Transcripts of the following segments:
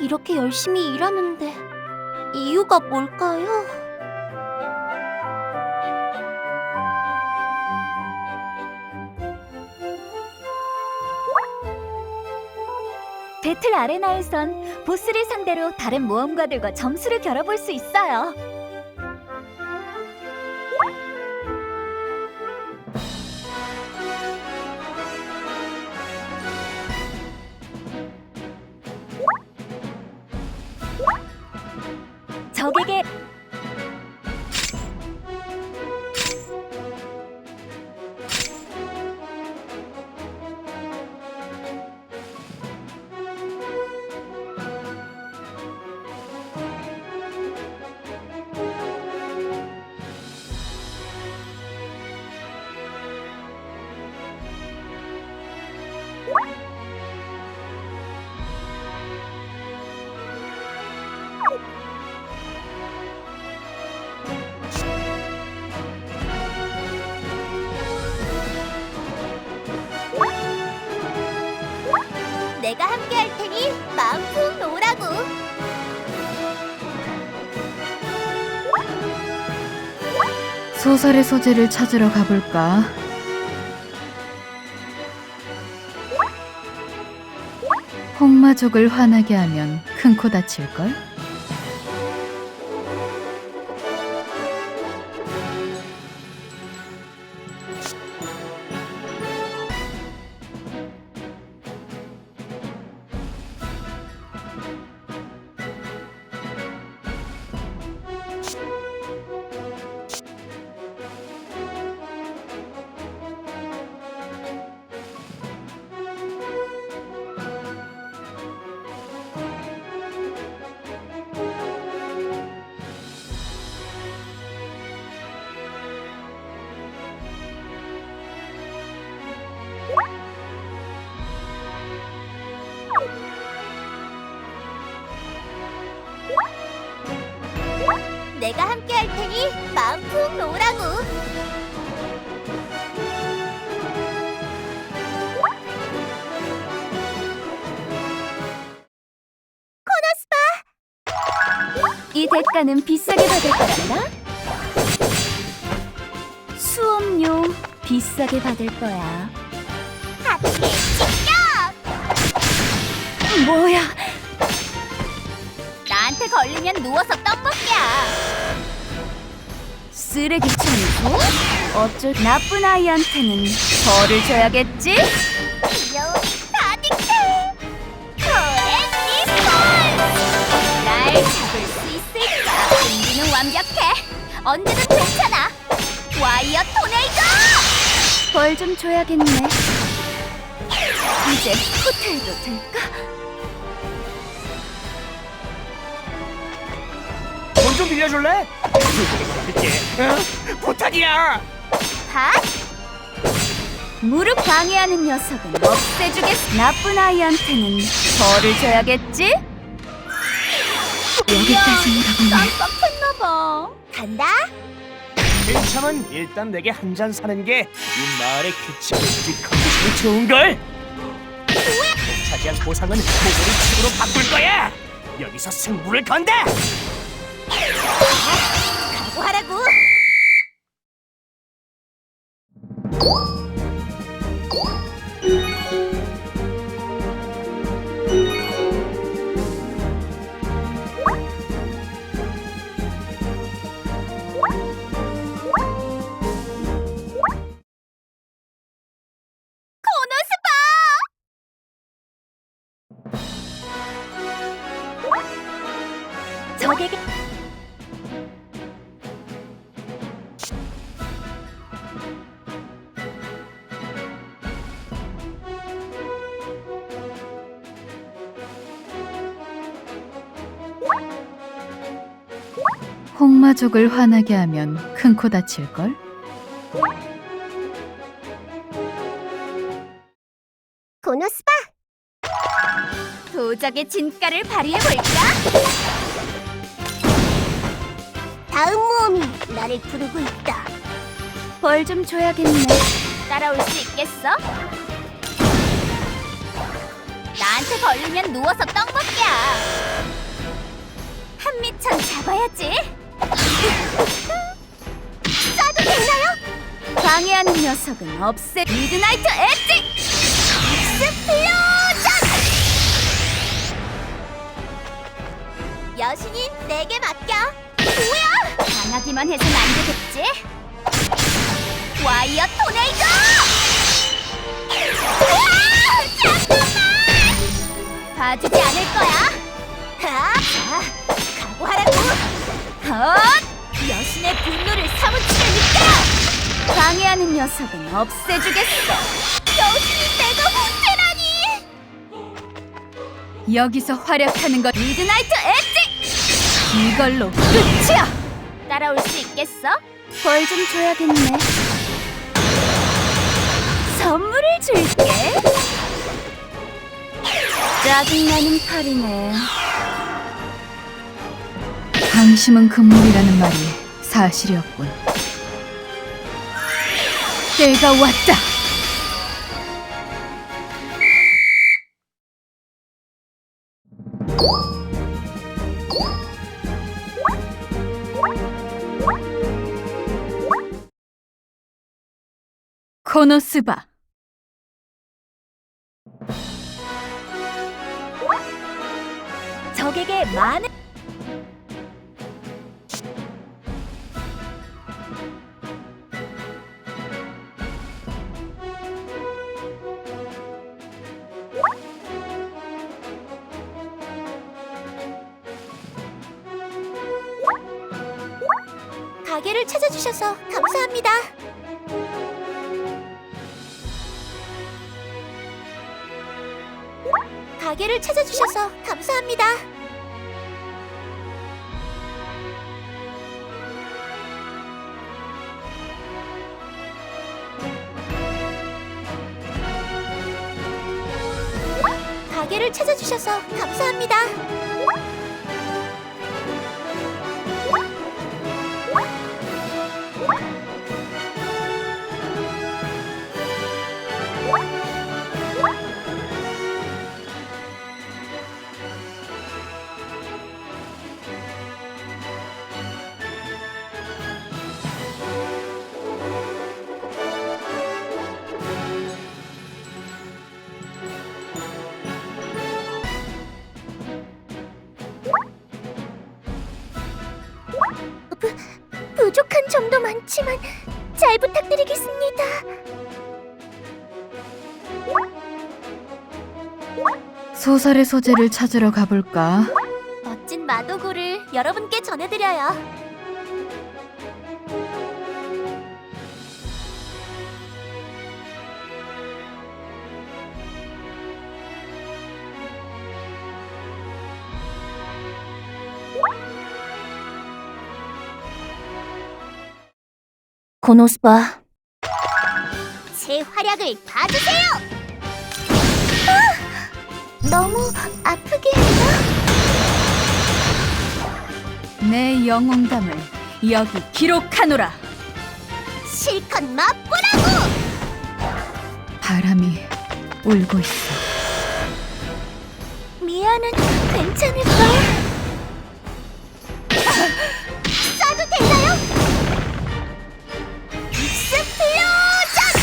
이렇게 열심히 일하는데 이유가 뭘까요? 배틀 아레나에선 보스를 상대로 다른 모험가들과 점수를 겨뤄볼 수 있어요. 적에게 내가 함께 할 테니 마음 푹 놓으라고. 소설의 소재를 찾으러 가볼까? 홍마족을 화나게 하면 큰 코 다칠걸? 내가 함께 할 테니 마음 푹 놓으라고. 이 대가는 비싸게 받을 거란다. 수업료 비싸게 받을 거야. 하트 직격! 뭐야? 나한테 걸리면 누워서 떡볶이야. 쓰레기 청소? 어쩔 나쁜 아이한테는 벌을 줘야겠지? 귀여움이 가득해. 코레시폰! 날 잡을 수 있을까? 준비는 완벽해. 언제든 괜찮아. 와이어 토네이도! 벌 좀 줘야겠네. 이제 호텔도 될까? 돈 좀 빌려줄래? 부탁이야. 핫! 무릎 방해하는 녀석은 없애주겠어. 나쁜 아이한테는 벌을 줘야겠지? 여기까지는 가보네. 깜빡했나봐. 간다. 괜찮은 일단 내게 한 잔 사는 게 이 마을의 규칙 컨디션이 좋은 걸. 차지한 보상은 모조리 칩으로 바꿀 거야. 여기서 승부를 건다. 각오하라고. 적에게 홍마족을 화나게 하면 큰 코 다칠걸? 고노스바. 도적의 진가를 발휘해볼까? 다음 모험이 나를 부르고 있다. 벌 좀 줘야겠네. 따라올 수 있겠어? 나한테 걸리면 누워서 떡먹기야. 한미천 잡아야지. 쏴도 되나요? 방해하는 녀석은 없애. 미드나이트 엣지. 스플로전! 여신님, 내게 맡겨. 뭐야? 당하기만 해선 안 되겠지? 와이어 토네이도! 으아! 잠깐만! 봐주지 않을 거야. 자, 각오하라고. 헛! 여신의 분노를 사무치게 느껴. 방해하는 녀석은 없애주겠어. 여신이 내가 못해라니. 여기서 활약하는 것 미드나이트 엣지! 이걸로 끝이야! 따라올 수 있겠어? 벌 좀 줘야겠네. 선물을 줄게. 짜증나는 칼이네. 방심은 금물이라는 말이 사실이었군. 때가 왔다! 코노스바 적에게 많은 가게를 찾아주셔서 감사합니다. 가게를 찾아주셔서 감사합니다. 가게를 찾아주셔서 감사합니다. 부족한 점도 많지만 잘 부탁드리겠습니다. 소설의 소재를 찾으러 가볼까? 멋진 마도구를 여러분께 전해드려요. 코노스바. 제 활약을 봐주세요. 너무 아프게 했나? 내 영웅담을 여기 기록하노라! 실컷 맛보라고! 바람이 울고 있어. 미아는 괜찮을까? 쏴도 되나요? 익스플로전!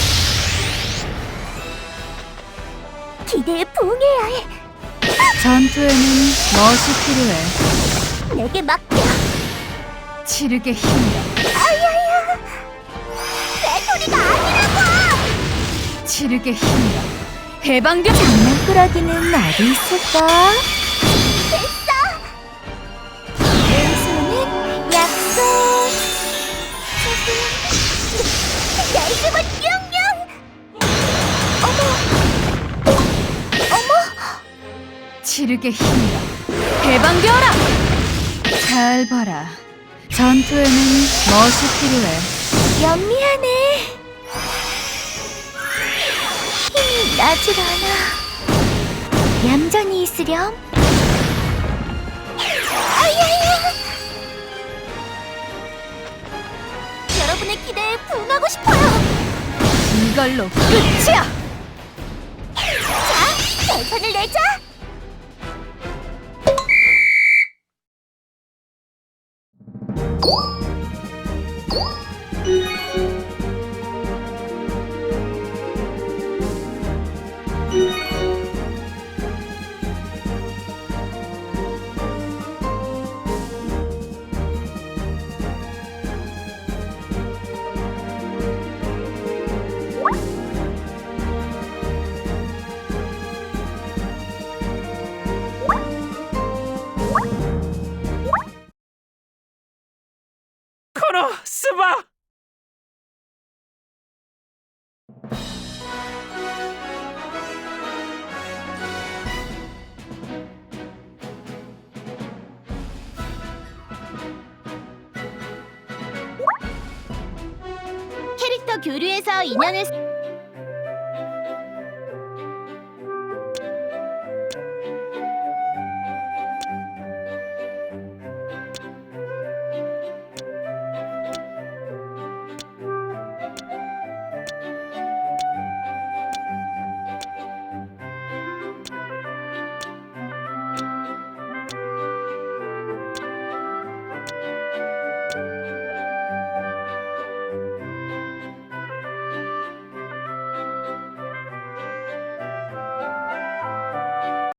기대에 부응해야 해. 전투에는 멋이 필요해. 내게 맡겨. 치르게 힘이야. 아야야. 배터리가 아니라고. 치르게 힘이야. 해방된 장난꾸러기는 어디 있을까? 됐어. 은수는 약속. 날숨은 뿅뿅. 어머. 치르게 힘이야. 해방되어라! 잘 봐라. 전투에는 멋이 필요해. 연미하네. 힘이 나질 않아. 얌전히 있으렴. 아야야. 여러분의 기대에 부응하고 싶어요. 이걸로 끝이야! 자, 최선을 내자. 코노 스바. 캐릭터 교류에서 인연을